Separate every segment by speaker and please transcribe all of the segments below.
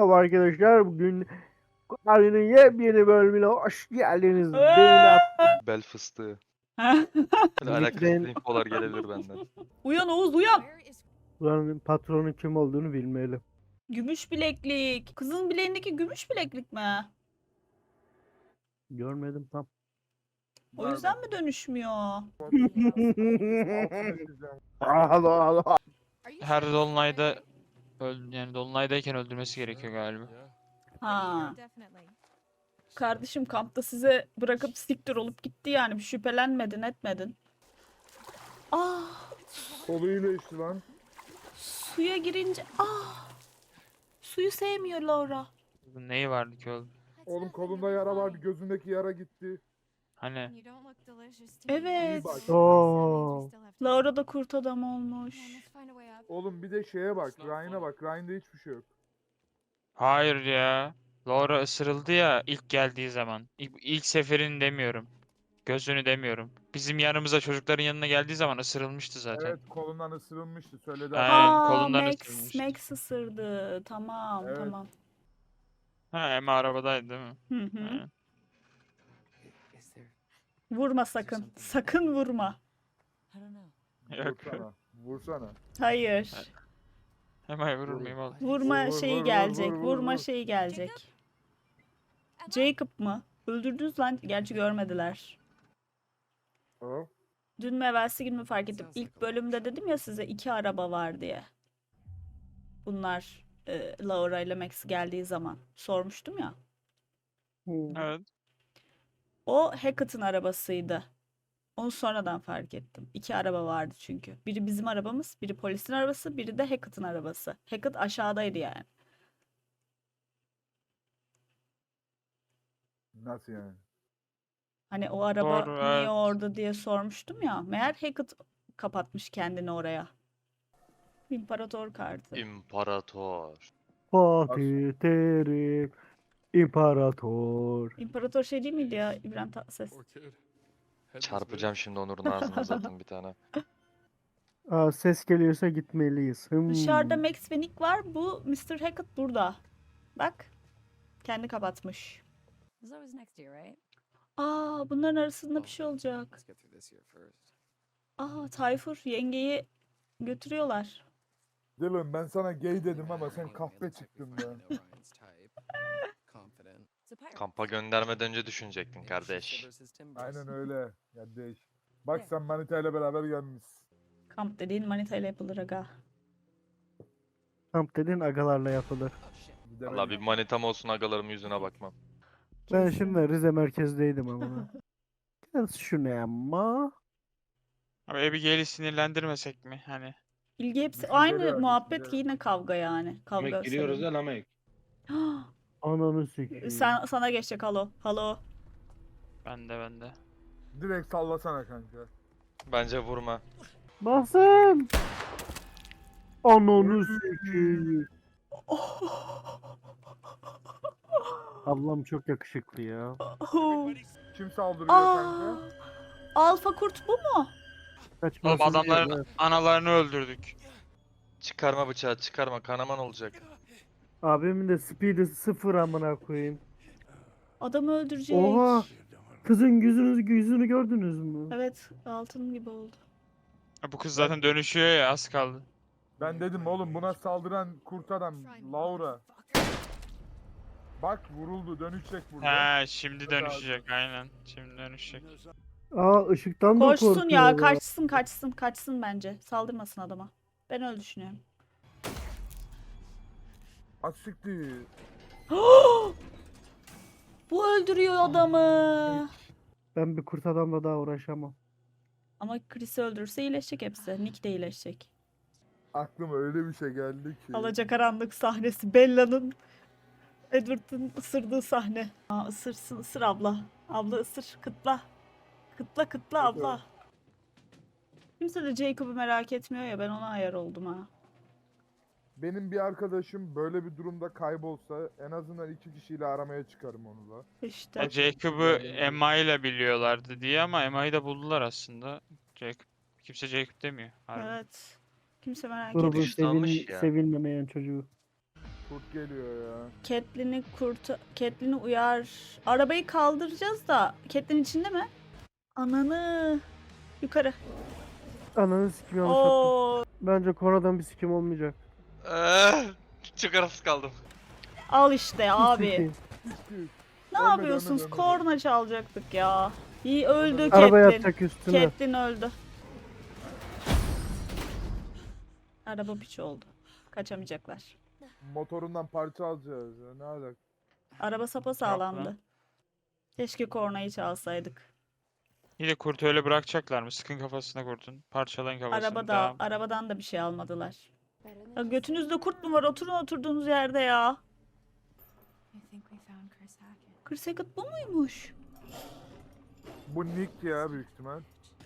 Speaker 1: Merhaba arkadaşlar. Bugün Ali'nin yepyeni bölümüne hoş geldiniz. Beğeni
Speaker 2: Bel fıstığı.
Speaker 3: Ha?
Speaker 2: Böyle
Speaker 1: Lütfen.
Speaker 2: alakasız infolar gelebilir benden.
Speaker 3: Uyan Oğuz uyan.
Speaker 1: Buranın patronu kim olduğunu bilmeyelim.
Speaker 3: Gümüş bileklik. Kızın bileğindeki gümüş bileklik mi?
Speaker 1: Görmedim tam.
Speaker 3: O yüzden mi dönüşmüyor?
Speaker 1: Allah Allah.
Speaker 4: Her dolunayda yani dolunaydayken öldürmesi gerekiyor galiba.
Speaker 3: Ha. Kardeşim kampta size bırakıp siktir olup gitti yani. Bir şüphelenmedin etmedin. Ah,
Speaker 5: Koluyla işte lan.
Speaker 3: suya girince suyu sevmiyor Laura.
Speaker 4: Bunun neyi vardı ki oğlum?
Speaker 5: Oğlum kolunda yara vardı, gözündeki yara gitti.
Speaker 4: Hani
Speaker 3: Evet.
Speaker 5: bak.
Speaker 1: Oo.
Speaker 3: Laura da kurt adam olmuş.
Speaker 5: Oğlum bir de şeye bak, Ryan'a bak. Ryan'da hiçbir şey yok.
Speaker 4: hayır ya. Laura ısırıldı ya ilk geldiği zaman. İlk seferini demiyorum. Gözünü demiyorum. Bizim yanımıza çocukların yanına geldiği zaman ısırılmıştı zaten.
Speaker 5: Evet, kolundan ısırılmıştı, söyledi.
Speaker 4: Aynen,
Speaker 3: Aa,
Speaker 4: kolundan
Speaker 3: Max,
Speaker 4: ısırılmıştı.
Speaker 3: Max ısırdı. Tamam,
Speaker 5: Evet.
Speaker 3: tamam.
Speaker 4: Ha, Emma arabadaydı değil mi?
Speaker 3: Hı hı.
Speaker 4: Aynen.
Speaker 3: Vurma sakın. Sakın vurma.
Speaker 4: Yok.
Speaker 5: Vursana. Vursana.
Speaker 3: Hayır.
Speaker 4: Emma'yı vurur muyum oğlum?
Speaker 3: Vurma
Speaker 5: Vur,
Speaker 3: şeyi
Speaker 5: vur,
Speaker 3: gelecek.
Speaker 5: vur, vur,
Speaker 3: Vurma
Speaker 5: vur.
Speaker 3: şeyi gelecek. Jacob mı? Öldürdünüz lan. Gerçi görmediler.
Speaker 5: O.
Speaker 3: Dün mü evvelsi gün mü fark ettim. İlk bölümde dedim ya size 2 araba var diye. Bunlar Laura ile Max geldiği zaman. Sormuştum ya.
Speaker 4: Evet.
Speaker 3: O Hackett'ın arabasıydı. Onu sonradan fark ettim. 2 araba vardı çünkü. Biri bizim arabamız, biri polisin arabası, biri de Hackett'ın arabası. Hackett aşağıdaydı yani.
Speaker 5: Nasıl yani?
Speaker 3: Hani o araba
Speaker 4: Doğru,
Speaker 3: niye
Speaker 4: evet.
Speaker 3: orada diye sormuştum ya. Meğer Hackett kapatmış kendini oraya. İmparator kartı.
Speaker 2: İmparator.
Speaker 1: Fatih Terim. İmparator.
Speaker 3: İmparator şey değil miydi ya İbrahim Tatlıses?
Speaker 2: Çarpacağım şimdi Onur'un ağzına zaten bir tane.
Speaker 1: Aa, ses geliyorsa gitmeliyiz.
Speaker 3: Dışarıda Max ve Nick var. Bu Mr. Hackett burada. Bak. Kendi kapatmış. Aa, bunların arasında bir şey olacak. Aa, Tayfur yengeyi götürüyorlar.
Speaker 5: Dylan, ben sana gay dedim ama sen kahve çıktın be.
Speaker 2: Kampa göndermeden önce düşünecektin kardeş.
Speaker 5: Aynen öyle. Ya değiş. Bak sen Manita ile beraber gelmişsin.
Speaker 3: Kamp dediğin manita ile yapılır aga.
Speaker 1: Kamp dediğin agalarla yapılır.
Speaker 5: Bir de
Speaker 2: Valla
Speaker 5: ben-
Speaker 2: bir manitam olsun agalarımın yüzüne bakmam.
Speaker 1: Ben şimdi Rize merkezdeydim ama. Gel şunu ama.
Speaker 4: Abi Abigail'i sinirlendirmesek mi? Hani.
Speaker 3: İlgi hepsi
Speaker 5: Düşünceli
Speaker 3: aynı
Speaker 5: var,
Speaker 3: muhabbet
Speaker 5: düşünceli.
Speaker 3: ki yine kavga yani. Kavga
Speaker 6: Yemek giriyoruz
Speaker 3: sebebi.
Speaker 6: ya Lamek.
Speaker 1: Ananı sikeyim.
Speaker 3: Sana geçecek halo. Halo.
Speaker 4: Bende.
Speaker 5: Direkt sallasana kanka.
Speaker 2: Bence vurma.
Speaker 1: Basın. Ananı sikeyim. Ablam çok yakışıklı ya.
Speaker 5: Kim saldırıyor
Speaker 3: Aa,
Speaker 5: kanka?
Speaker 3: Alfa kurt bu mu?
Speaker 1: Kaçmasın
Speaker 4: Oğlum adamların
Speaker 1: diye, evet.
Speaker 4: analarını öldürdük.
Speaker 2: Çıkarma bıçağı çıkarma kanaman olacak.
Speaker 1: Abimin de speed'i sıfır amına koyayım.
Speaker 3: Adamı öldürecek.
Speaker 1: Oha. Kızın yüzünü gördünüz mü?
Speaker 3: Evet, altın gibi oldu.
Speaker 4: Bu kız zaten dönüşüyor ya az kaldı.
Speaker 5: Ben dedim oğlum buna saldıran kurt adam Laura. Bak vuruldu, dönüşecek burada.
Speaker 4: He şimdi dönüşecek aynen. Şimdi dönüşecek.
Speaker 1: Aa, ışıktan da
Speaker 3: Koşsun
Speaker 1: korkuyor.
Speaker 3: ya, kaçsın bence. Saldırmasın adama. Ben öyle düşünüyorum.
Speaker 5: Açıktı.
Speaker 3: Bu öldürüyor adamı.
Speaker 1: Ben bir kurt adamla daha uğraşamam.
Speaker 3: Ama Chris'i öldürürse iyileşecek hepsi. Nick de iyileşecek.
Speaker 5: Aklıma öyle bir şey geldi ki.
Speaker 3: Alacakaranlık sahnesi. Bella'nın Edward'ın ısırdığı sahne. Aa, ısır abla. Abla ısır. Kıtla. Kıtla abla. Kimse de Jacob'u merak etmiyor ya, ben ona ayar oldum ha.
Speaker 5: Benim bir arkadaşım böyle bir durumda kaybolsa en azından 2 kişiyle aramaya çıkarım onu da.
Speaker 3: İşte.
Speaker 4: Ya Jacob'u Emma ile biliyorlardı diye ama Emma'yı da buldular aslında. Kimse Jacob demiyor. Harbi.
Speaker 3: Evet. Kimse merak
Speaker 1: Grubun
Speaker 3: etmiyor.
Speaker 2: Güçlü almış ya.
Speaker 1: sevilmemeyen çocuğu.
Speaker 5: Kurt geliyor ya.
Speaker 3: Catelyn'i uyar. Arabayı kaldıracağız da Catelyn içinde mi? Ananı. Yukarı.
Speaker 1: Ananı sikim yanlış yaptım.
Speaker 3: Oo.
Speaker 1: Bence konadan bir sikim olmayacak.
Speaker 2: Çok arasız kaldım.
Speaker 3: Al işte abi.
Speaker 1: Sikeyim.
Speaker 3: Ne
Speaker 5: Ölmedi,
Speaker 3: yapıyorsunuz?
Speaker 5: ölmedi.
Speaker 3: Korna çalacaktık ya. İyi öldü
Speaker 1: Arabaya
Speaker 3: Catelyn.
Speaker 1: atacak üstüne.
Speaker 3: Catelyn öldü. Araba piç oldu. Kaçamayacaklar.
Speaker 5: Motorundan parça alacağız ya. Ne alaka?
Speaker 3: Araba sapasağlamdı. Keşke kornayı çalsaydık.
Speaker 4: Yine kurtu öyle bırakacaklar mı? Sıkın kafasına kurtun. Parçalayın kafasını. Devam.
Speaker 3: Arabadan da bir şey almadılar. Ya götünüzde kurt mu var? Oturun oturduğunuz yerde ya. Chris Hackett bu muymuş?
Speaker 5: Bu Nick ya büyük ihtimal.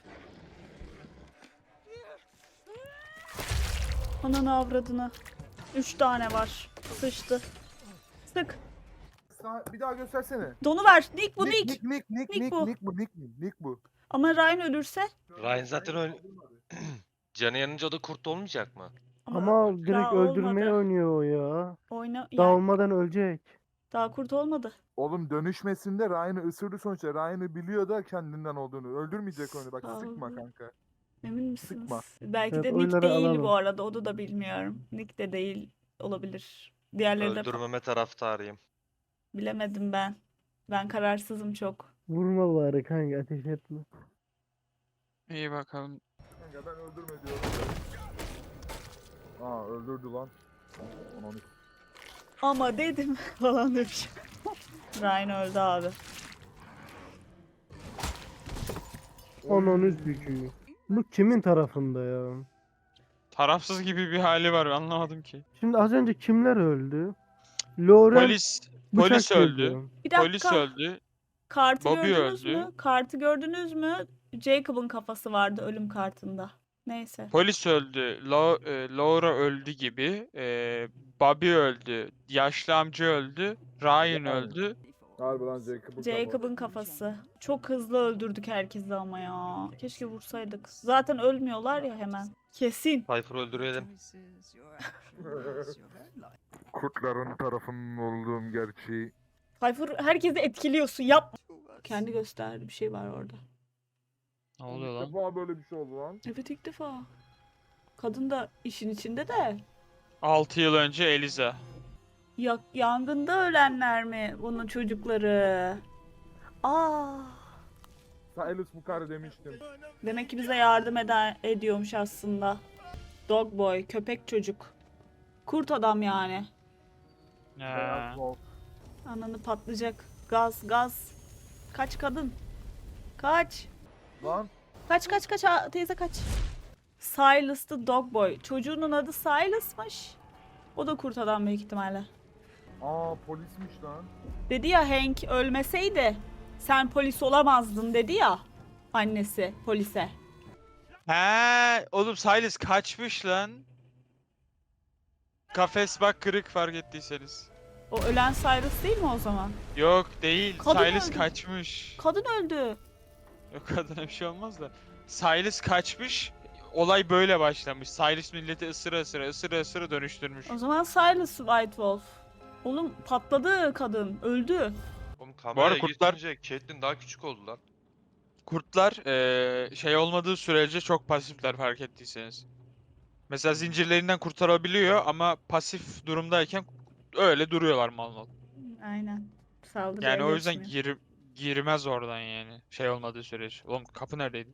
Speaker 3: Ananı avradını. 3 tane var. Sıçtı. Sık.
Speaker 5: Bir daha göstersene.
Speaker 3: Donu ver. Nick bu Nick.
Speaker 5: Nick
Speaker 3: bu.
Speaker 5: Nick bu.
Speaker 3: Ama Ryan ölürse?
Speaker 2: Ryan zaten canı yanınca o da kurt olmayacak mı?
Speaker 1: Ama direkt
Speaker 3: daha
Speaker 1: öldürmeye
Speaker 3: olmadı.
Speaker 1: oynuyor o ya.
Speaker 3: Oyna
Speaker 1: Daha
Speaker 3: yani,
Speaker 1: olmadan ölecek.
Speaker 3: daha kurt olmadı.
Speaker 5: Oğlum dönüşmesinde Ryan'ı ısırdı sonuçta. Ryan'ı biliyor da kendinden olduğunu. Öldürmeyecek onu bak sıkma
Speaker 3: Allah.
Speaker 5: kanka.
Speaker 3: Emin misiniz?
Speaker 5: Sıkma.
Speaker 3: Belki
Speaker 1: Evet,
Speaker 3: de Nick
Speaker 1: oyları
Speaker 3: değil
Speaker 1: alalım.
Speaker 3: bu arada. Onu da bilmiyorum. Nick de değil olabilir. Diğerleri de
Speaker 2: Öldürmeme taraftarıyım.
Speaker 3: bilemedim ben. Ben kararsızım çok.
Speaker 1: Vurma bari kanka, ateş etme.
Speaker 4: İyi bakalım.
Speaker 5: Kanka ben öldürme diyorum. Aa öldürdü lan. Onu
Speaker 3: Ama dedim falan demiş. Ryan öldü abi.
Speaker 1: Onun üzgücü. Bu kimin tarafında ya?
Speaker 4: Tarafsız gibi bir hali var. Anlamadım ki.
Speaker 1: Şimdi az önce kimler öldü? Lauren
Speaker 4: Polis
Speaker 1: bıçak
Speaker 4: polis öldü.
Speaker 1: geliyor.
Speaker 3: Bir
Speaker 4: Polis
Speaker 3: dakika.
Speaker 4: öldü.
Speaker 3: Kartı
Speaker 4: Bobby
Speaker 3: gördünüz
Speaker 4: öldü.
Speaker 3: mü? Kartı gördünüz mü? Jacob'ın kafası vardı ölüm kartında. Neyse.
Speaker 4: Polis öldü. Laura öldü gibi. Bobby öldü. Yaşlı amca öldü. Ryan öldü.
Speaker 5: Harbi lan Jacob'un
Speaker 3: Jacob'ın kafası. Çok hızlı öldürdük herkesi ama ya. Keşke vursaydık. Zaten ölmüyorlar ya hemen. Kesin.
Speaker 2: Piper'ı öldürelim.
Speaker 5: Kurtların tarafının olduğum gerçeği.
Speaker 3: Tayfur herkesi etkiliyorsun. Yap. Kendi gösterdi. Bir şey var orada.
Speaker 4: Ne oluyor lan?
Speaker 5: İlk defa böyle bir şey oldu lan.
Speaker 3: Evet ilk defa. Kadın da işin içinde de.
Speaker 4: 6 yıl önce Eliza.
Speaker 3: Yangında ölenler mi bunun çocukları? Aa.
Speaker 5: Silas bu karı demiştim.
Speaker 3: Demek ki bize yardım ediyormuş aslında. Dog boy, köpek çocuk. Kurt adam yani.
Speaker 4: Ha.
Speaker 3: Ananı patlayacak. Gaz. Kaç kadın. Kaç.
Speaker 5: Lan
Speaker 3: Kaç. Aa, teyze kaç. Silas the dog boy. Çocuğunun adı Silas'mış. O da kurt adam büyük ihtimalle.
Speaker 5: aa polismiş lan.
Speaker 3: Dedi ya Hank ölmeseydi sen polis olamazdın dedi ya. Annesi polise.
Speaker 4: He, oğlum Silas kaçmış lan. Kafes bak kırık fark ettiyseniz.
Speaker 3: O ölen Silas değil mi o zaman?
Speaker 4: Yok değil.
Speaker 3: Kadın
Speaker 4: Silas
Speaker 3: öldü.
Speaker 4: kaçmış.
Speaker 3: Kadın öldü.
Speaker 4: Yok kadına bir şey olmaz da. Silas kaçmış. Olay böyle başlamış. Silas milleti ısıra dönüştürmüş.
Speaker 3: O zaman Silas White Wolf. Oğlum patladı kadın. Öldü.
Speaker 2: Oğlum
Speaker 4: arada
Speaker 2: kameraya
Speaker 4: kurtlar-
Speaker 2: geçince Caitlyn daha küçük oldu lan.
Speaker 4: Kurtlar şey olmadığı sürece çok pasifler fark ettiyseniz. Mesela zincirlerinden kurtarabiliyor ama pasif durumdayken öyle duruyorlar mal mal.
Speaker 3: Aynen. Saldırıya
Speaker 4: Yani o yüzden
Speaker 3: geçmiyor.
Speaker 4: girmez oradan yani. Şey olmadığı sürece. Oğlum kapı neredeydi?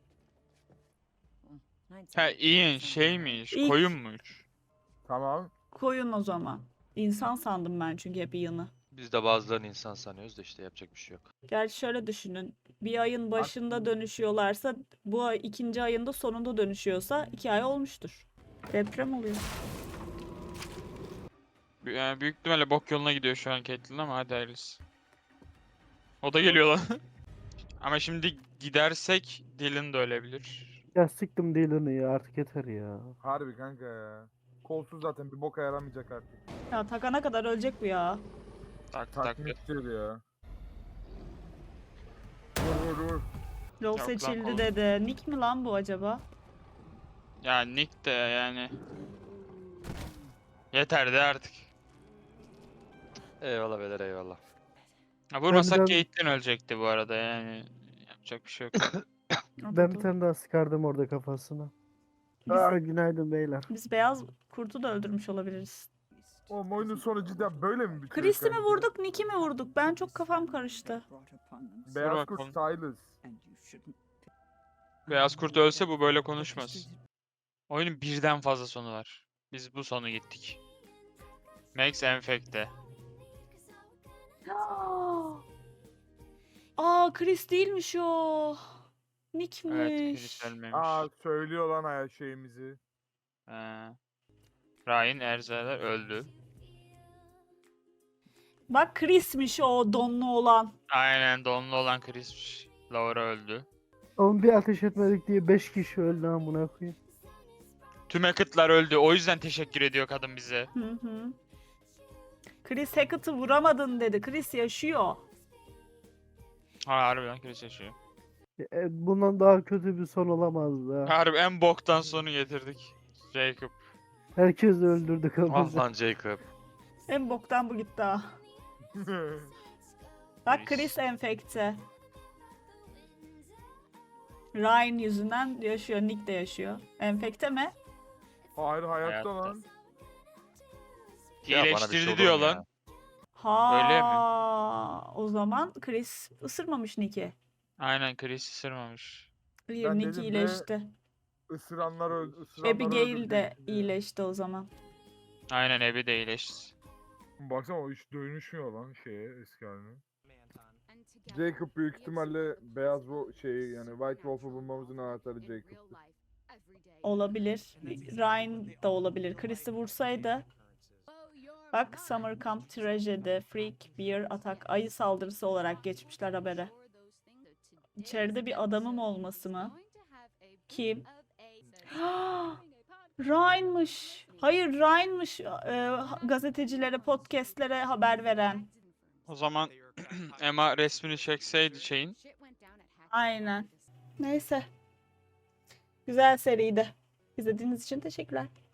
Speaker 4: Ha Ian şeymiş,
Speaker 3: İlk-
Speaker 4: koyunmuş.
Speaker 5: Tamam.
Speaker 3: Koyun o zaman. İnsan sandım ben çünkü hep yanı.
Speaker 2: Biz de bazılarını insan sanıyoruz da işte yapacak bir şey yok.
Speaker 3: Gerçi şöyle düşünün. Bir ayın başında dönüşüyorlarsa bu ay ikinci ayında sonunda dönüşüyorsa 2 ay olmuştur. Deprem oluyor.
Speaker 4: Yani büyük ihtimalle bok yoluna gidiyor şu an Caitlyn ama hadi hayırlısı. O da geliyor lan. Ama şimdi gidersek Dylan da ölebilir.
Speaker 1: Ya sıktım Dylan'ı ya, artık yeter ya.
Speaker 5: Harbi kanka ya. Kolsuz zaten bir boka yaramayacak artık.
Speaker 3: Ya takana kadar ölecek bu ya.
Speaker 4: Tak.
Speaker 5: Takmittir ya. Vur.
Speaker 3: Yol
Speaker 4: Yok lan,
Speaker 3: seçildi
Speaker 4: oğlum.
Speaker 3: dedi. Nick mi lan bu acaba?
Speaker 4: Ya Nick de yani. Yeter de artık.
Speaker 2: Eyvallah beyler eyvallah.
Speaker 4: Ha, vurmasak
Speaker 1: Ben-
Speaker 4: Caitlyn ölecekti bu arada yani. Yapacak bir şey yok.
Speaker 1: Ben bir tane daha sıkardım orada kafasına. Günaydın beyler.
Speaker 3: Biz beyaz kurtu da öldürmüş olabiliriz.
Speaker 5: Oğlum oyunun sonu cidden böyle mi bitiyor
Speaker 3: Chris'i mi
Speaker 5: sence?
Speaker 3: vurduk, Nick'i mi vurduk? Ben çok kafam karıştı.
Speaker 5: Beyaz kurt
Speaker 4: bakalım.
Speaker 5: Silas.
Speaker 4: Beyaz kurt ölse bu böyle konuşmaz. Oyunun birden fazla sonu var. Biz bu sonu gittik. Max Enfekte.
Speaker 3: Aa, Chris değilmiş o. Nick'miş.
Speaker 4: Evet, Chris ölmemiş.
Speaker 5: Aa söylüyor lan her şeyimizi.
Speaker 4: Ryan Erzaler öldü.
Speaker 3: Bak Chris'miş o donlu olan.
Speaker 4: Aynen donlu olan Chris'miş. Laura öldü.
Speaker 1: Oğlum bir ateş etmedik diye 5 kişi öldü amına koyayım.
Speaker 4: Tüm Hackett'lar öldü. O yüzden teşekkür ediyor kadın bize.
Speaker 3: Hı hı. Chris Hackett'ı vuramadın dedi. Chris yaşıyor.
Speaker 4: Ha, harbiden Chris yaşıyor.
Speaker 1: Bundan daha kötü bir son olamazdı ha.
Speaker 4: Harbi en boktan sonu getirdik. Jacob.
Speaker 1: Herkes öldürdük
Speaker 2: Ah
Speaker 1: ama.
Speaker 2: lan Jacob.
Speaker 3: En boktan bu gitti ha. Bak
Speaker 4: Chris.
Speaker 3: Chris enfekte. Ryan yüzünden yaşıyor. Nick de yaşıyor. Enfekte mi?
Speaker 5: Hayır hayatta
Speaker 4: Hayatta.
Speaker 5: lan.
Speaker 2: Ya bana bir şey
Speaker 4: İyileştirdi
Speaker 2: olur
Speaker 4: diyor
Speaker 2: mu ya?
Speaker 4: lan.
Speaker 3: Ha.
Speaker 4: Öyle mi?
Speaker 3: O zaman Chris ısırmamış Nick'i.
Speaker 4: Aynen Chris ısırmamış.
Speaker 3: Hayır,
Speaker 5: Ben
Speaker 3: Nick
Speaker 5: dedim ve
Speaker 3: iyileşti.
Speaker 5: Isıranlar ısıranları
Speaker 3: Abigail de
Speaker 5: öldürecek diye.
Speaker 3: iyileşti o zaman.
Speaker 4: Aynen Abby de iyileşti.
Speaker 5: Baksana o hiç dönüşmüyor lan şeye eski haline. Jacob büyük ihtimalle beyaz şey yani White Wolf'u bulmamızın anahtarı Jacob'tu.
Speaker 3: Olabilir. Ryan da olabilir. Chris'i vursaydı. Bak Summer Camp Tragedy, Freak, Bear Attack, ayı saldırısı olarak geçmişler habere. İçeride bir adamım olması mı? Kim? Ryan'mış. Hayır Ryan'mış. Gazetecilere, podcastlere haber veren.
Speaker 4: O zaman Emma resmini çekseydi şeyin.
Speaker 3: Aynen. Neyse. Güzel seriydi. İzlediğiniz için teşekkürler.